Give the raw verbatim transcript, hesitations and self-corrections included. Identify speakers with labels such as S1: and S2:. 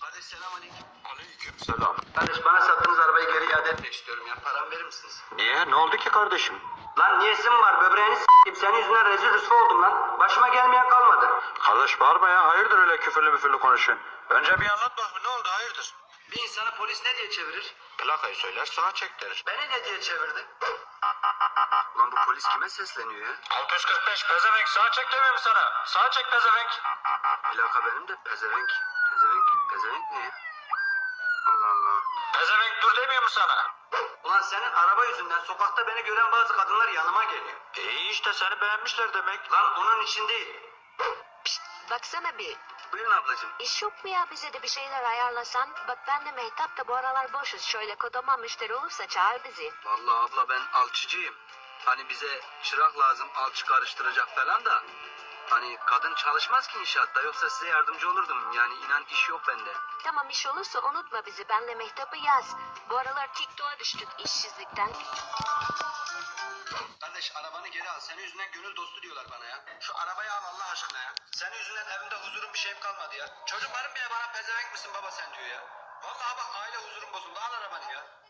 S1: Kardeş selamünaleyküm.
S2: Aleyküm selam.
S1: Kardeş bana sattığınız arabayı geri iade etmek istiyorum ya. Paramı verir misiniz?
S2: Niye? Ne oldu ki kardeşim?
S1: Lan niyesi mi var? Böbreğini s**eyim. Senin yüzünden rezil rüsva oldum lan. Başıma gelmeyen kalmadı.
S2: Kardeş bağırma ya. Hayırdır öyle küfürlü müfürlü konuşuyorsun? Önce bir anlat bakayım ne oldu hayırdır?
S1: Bir insanı polis ne diye çevirir?
S2: Plakayı söyler sağa çektirir.
S1: Beni ne diye çevirdi? Ulan bu polis kime sesleniyor ya?
S2: altı yüz kırk beş pezevenk sağa çek demiyor mu sana? Sağa çek pezevenk.
S1: Plaka benim de pezevenk. Pezevenk, pezevenk ne ya? Allah Allah.
S2: Pezevenk dur demiyor mu sana?
S1: Ulan senin araba yüzünden sokakta beni gören bazı kadınlar yanıma geliyor.
S2: İyi işte seni beğenmişler demek.
S1: Lan onun için değil.
S3: Pişt, baksana bir.
S1: Buyurun ablacığım.
S3: İş yok mu ya, bize de bir şeyler ayarlasan? Bak ben de Mehtap da bu aralar boşuz. Şöyle kodaman müşteri olursa çağır bizi.
S1: Vallahi abla ben alçıcıyım. Hani bize çırak lazım alçı karıştıracak falan da. Hani kadın çalışmaz ki inşaatta yoksa size yardımcı olurdum. Yani inan iş yok bende.
S3: Tamam, iş olursa unutma bizi. Benle Mehtap'ı yaz. Bu aralar TikTok'a düştük işsizlikten.
S1: Kardeş arabanı geri al. Senin yüzünden gönül dostu diyorlar bana ya. Şu arabayı al Allah aşkına ya. Senin yüzünden evimde huzurum bir şeyim kalmadı ya. Çocuklarım bile bana pezevenk misin baba sen diyor ya. Vallahi bak aile huzurum bozuldu. Al arabanı ya.